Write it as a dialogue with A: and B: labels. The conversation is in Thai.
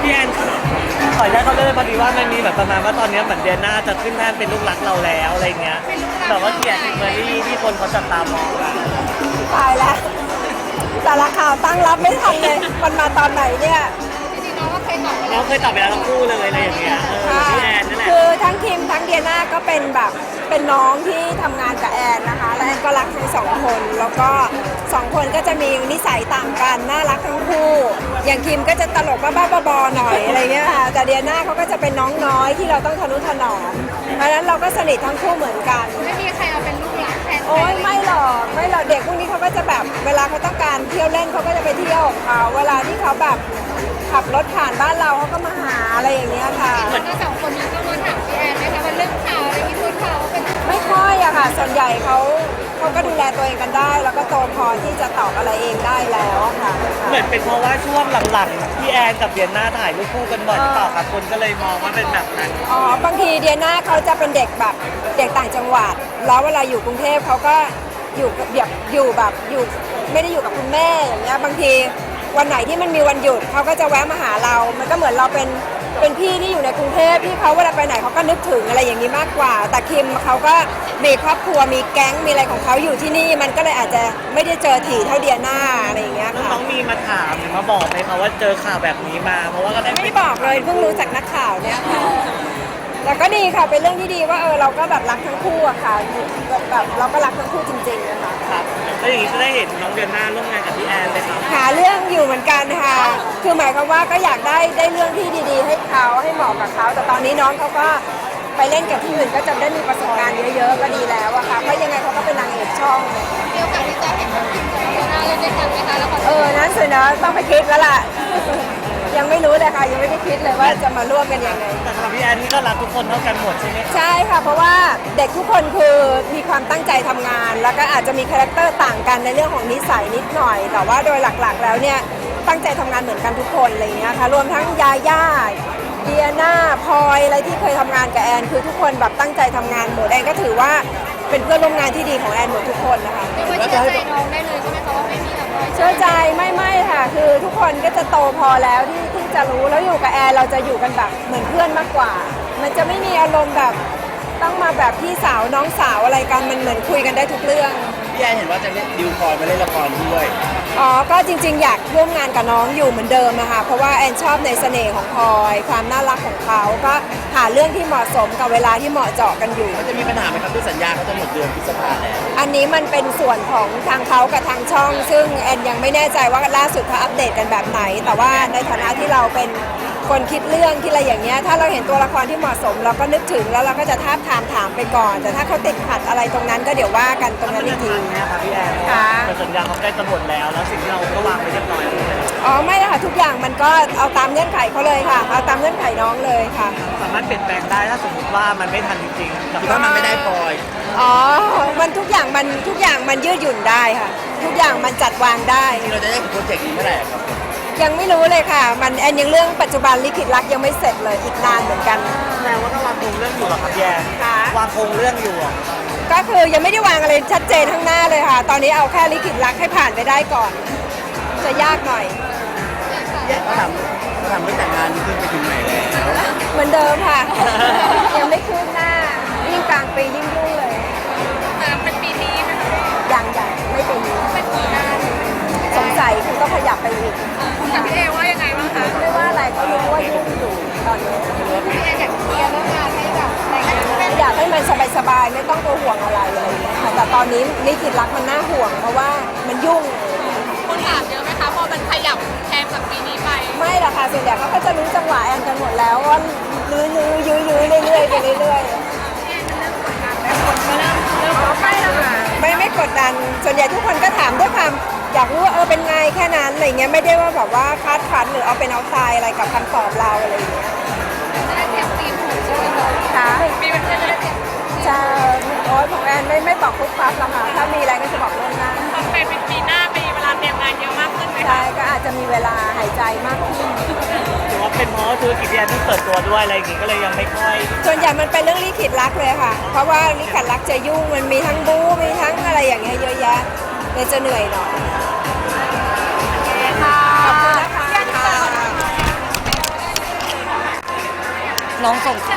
A: พี่แอนขออนุญาตเขาเลยพอดีว่ามันมีแบบประมาณว่าตอนนี้เหมือนเดียน่าจะขึ้นแท่นเป็นลูกรักเราแล้วอะไรเงี้ยแบบว่าเกียรติเมอรี่ที่คนเขาจับตามองกัน
B: ตายแล้วสารข่าวตั้งรับไม่ทันเลยมันมาตอนไหนเนี่ย
A: น้องเคยตอบไปแล้วทั้งคู่เลยอะไรอย่างเงี้ยพี่แอนนั่นแหละ
B: คือทั้งคิมทั้งเดียน่าก็เป็นแบบเป็นน้องที่ทำงานกับแอนนะคะและแอนก็รักทั้งสองคนแล้วก็สองคนก็จะมีนิสัยต่างกันน่ารักทั้งคู่อย่างคิมก็จะตลกบ้าๆบอๆหน่อยอะไรเงี้ยค่ะแต่เดียน่าเขาก็จะเป็นน้องน้อยที่เราต้องทนุถนอมเพราะฉะนั้นเราก็สนิททั้งคู่เหมือนกัน
C: ไม่มีใครเอาเป็นลูกหลานแทน
B: โอ้ยไม่หรอกเด็กพวกนี้เขาก็จะแบบเวลาเขาต้องการเที่ยวเล่นเขาก็จะไปเที่ยวของเขาเวลาที่เขาแบบขับรถผ่านบ้านเราเขาก็มาหาอะไรอย่างเงี้ยค่ะ
C: แล้วก็สองคนนี้ก็มาถามพี่แอนไหมคะว่าเรื่องข่าวอะไรที่พูดข่าวเป็น
B: ไม่ค่อยอะค่ะส่วนใหญ่เขาก็ดูแลตัวเองกันได้ แล้วก็โตพอที่จะตอบอะไรเองได้แล้วค่ะ
A: เหมือนเป็นเพราะว่าช่วงหลังๆพี่แอนกับเดียน่าถ่ายรูปคู่กันบ่อยหรือเปล่าครับคนก็เลยมองว่าเป็นแบบนั้น
B: อ๋อบางทีเดียน่าเขาจะเป็นเด็กแบบเด็กต่างจังหวัดแล้วเวลาอยู่กรุงเทพเขาก็อยู่แบบอยู่ไม่ได้อยู่กับคุณแม่อย่างเงี้ยบางทีวันไหนที่มันมีวันหยุดเขาก็จะแวะมาหาเรา มันก็เหมือนเราเป็นพี่ที่อยู่ในกรุงเทพที่เขาเวลาไปไหนเขาก็นึกถึงอะไรอย่างนี้มากกว่าแต่คิมเขาก็มีครอบครัวมีแก๊งมีอะไรของเขาอยู่ที่นี่มันก็เลยอาจจะไม่ได้เจอถี่เท่าเดียน่าอะไรอย่างเงี้ยค่ะ
A: น้องมีมาถามหรือมาบอกไหมคะว่าเจอข่าวแบบนี้มาเพราะว่าก็ได้
B: ไม่บอกเลยเพิ่งรู้จากนักข่าวเนี่ยค่ะแต่ก็ดีค่ะเป็นเรื่องที่ดีว่าเราก็แบบรักทั้งคู่อะค่ะแบบเราก็รักทั้งคู่จริงๆนะคะ
A: ครับแล้วอย่างนี้จะได้เห็นน้องเดียน่าร่วมงานกับพี่แอนเลยครับ
B: หาเรื่องอยู่เหมือนกันค่ะคือหมายความว่าก็อยากได้เรื่องที่ดีๆให้เขาให้เหมาะกับเขาแต่ตอนนี้น้องเขาก็ไปเล่นกับที่อื่นก็จะได้มีประสบการณ์เยอะๆก็ดีแล้วอะค่ะเพราะยังไงเขาก็เป็นนางเอกช่อง
C: เดียวกับที่จะเห็นน้องคิมกับเดียน่าเล่นด้วยกันไหมคะแล้ว
B: นั้นสินะต้องไปคิดแล้วล่ะยังไม่รู้เลยค่ะยังไม่ได้คิดเลยว่าจะมาร่วมกันยังไง
A: แต่สำหรับพี่แอนนี่ก็รักทุกคนเท่ากันหมดใช่ไหม
B: ใช่ค่ะเพราะว่าเด็กทุกคนคือมีความตั้งใจทำงานแล้วก็อาจจะมีคาแรคเตอร์ต่างกันในเรื่องของนิสัยนิดหน่อยแต่ว่าโดยหลักๆแล้วเนี่ยตั้งใจทำงานเหมือนกันทุกคนอะไรเงี้ยค่ะรวมทั้งยาย่าเดียน่าพลอยอะไรที่เคยทำงานกับแอนคือทุกคนแบบตั้งใจทำงานหมดแอนก็ถือว่าเป็นเพื่อนร่วมงานที่ดีของแอนหมดทุกคนนะคะ
C: เชื่อใจน้องได้เลยใช่ไหมคะว่าไม่มีอะไร
B: เชื่อใจไม่ค่ะคือทุกคนก็จะโตพอแล้วที่จะรู้แล้วอยู่กับแอนเราจะอยู่กันแบบเหมือนเพื่อนมากกว่ามันจะไม่มีอารมณ์แบบต้องมาแบบพี่สาวน้องสาวอะไรกันมันเหมือนคุยกันได้ทุกเรื่อง
D: พี่แอนเห็นว่าจะเล่นดิวพลอยมาเล่นละครด้วย
B: ก็จริงๆอยากร่วมงานกับน้องอยู่เหมือนเดิมนะคะเพราะว่าแอนชอบในเสน่ห์ของพลอยความน่ารักของเขาก็หาเรื่องที่เหมาะสมกับเวลาที่เหมาะเจาะกันอยู่
D: จะมีปัญหาไหมครับที่สัญญาเขาจะหมดเดือนพฤษภาแล้ว
B: อันนี้มันเป็นส่วนของทางเขากับทางช่องซึ่งแอนยังไม่แน่ใจว่าล่าสุดเขาอัปเดตกันแบบไหนแต่ว่าในฐานะที่เราเป็นคนคิดเรื่องที่อะไรอย่างเงี้ยถ้าเราเห็นตัวละครที่เหมาะสมเราก็นึกถึงแล้วเราก็จะท้าทามถามไปก่อนแต่ถ้าเขาติดขัดอะไรตรงนั้นก็เดี๋ยวว่ากันตรงนั้นอีกที
A: นะคะพี่แอนแต่สัญญาเขาใกล้จะหมดแล้วสิ่งที่เราก็วางไปเรียบร้อย
B: ไม่ค่ะทุกอย่างมันก็เอาตามเงื่อนไขเขาเลยค่ะเอาตามเงื่อนไขน้องเลยค่ะ
A: สามารถเปลี่ยนแปลงได้ถ้าสมมติว่ามันไม่ทันจริง
D: ๆถ้ามันไม่ได้ปล่อย
B: มันทุกอย่างมันยืดหยุ่นได้ค่ะทุกอย่างมันจัดวางได้
D: ที่เราจะได้โปรเจกต์นี้เมื่อไหร่ครับ
B: ยังไม่รู้เลยค่ะมันแอนยังเรื่องปัจจุบันลิขิตรักยังไม่เสร็จเลยอีกนานเหมือนกัน
A: แสดงว่าต้องวางโครงเรื่องอยู่หรอครับแย่วางโครงเรื่องอยู่
B: ก็คือยังไม่ได้วางอะไรชัดเจนข้างหน้าเลยค่ะตอนนี้เอาแค่ลิขิตรักให้ผ่านไปได้ก่อนจะยากหน่อย
D: เขาทำไม่แต่งงานขึ้นไปถึงไหนแล้ว
B: เหมือนเดิมค่ะยังไม่คืบหน้ายิ่งกลางปียิ่งยุ่งเลย
C: เป็นปีนี้ไหมคะ
B: ยังไม่ปีนี้
C: เป็นปีหน้า
B: สงสัยคุณก็ขยับไปอีก
C: แต่พี่เอว่ายังไงบ้างคะ
B: ไม่ว่าอะไรก็รู้ว่ายุ่งอยู่ตอนนี้
C: พี่เออยากเคลียร์เรื่องงานให้แบบ
B: อยากให้มันสบายๆไม่ต้องตัวห่วงอะไรอย่างเงี้ยค่ะแต่ตอนนี้ลิขิตรักมันน่าห่วงเพราะว่ามันยุ่ง
C: คนถามเยอะไหมคะพอมันขยับแทนจากปีนี้ไป
B: ไม่หรอกค่ะส่วนใหญ่เขาก็จะรู้จังหวะแอนกันหมดแล้วว่ายื้อเรื่อยๆไปเรื่อยๆไม่กดดันส่วนใหญ่ทุกคนก็ถามด้วยความอยากรู้ว่าเป็นไงแค่นั้นอะไรเงี้ยไม่ได้ว่าแบบว่าคาดคั้นหรือเอาเป็นเอาตายอะไรกับคำตอบเราอะไรอย่างเงี้ย
C: จะได้เตรียมทีมถูกใช่ไหมคะ
B: ค่ะ
C: มีเป็นเพื่อนจะได้เตรียม
B: ใช่ของแอนไม่บอกทุกปั๊บหรอกค่ะถ้ามีอะไรก็จะบอกล่วงหน้า
C: เป็นปีหน้ามีเวลาเตรียมงานเยอะมากขึ้นไหม
B: ใช่ก็อาจจะมีเวลาหายใจมากขึ้น
A: หรือว่าเป็นเพราะธุรกิจที่แอนที่เปิดตัวด้วยอะไรอย่างงี้ก็เลยยังไม่ค่อย
B: ส่วนใหญ่มันเป็นเรื่องลิขิตรักเลยค่ะเพราะว่าลิขิตรักจะยุ่งมันมีทั้งบู๊มีทั้งอะไรอย่างเงี้ยเยอะแยะเลยจะเหนื่อยหน่อยขอบคุณนะคะ
A: น้องส่งข่าว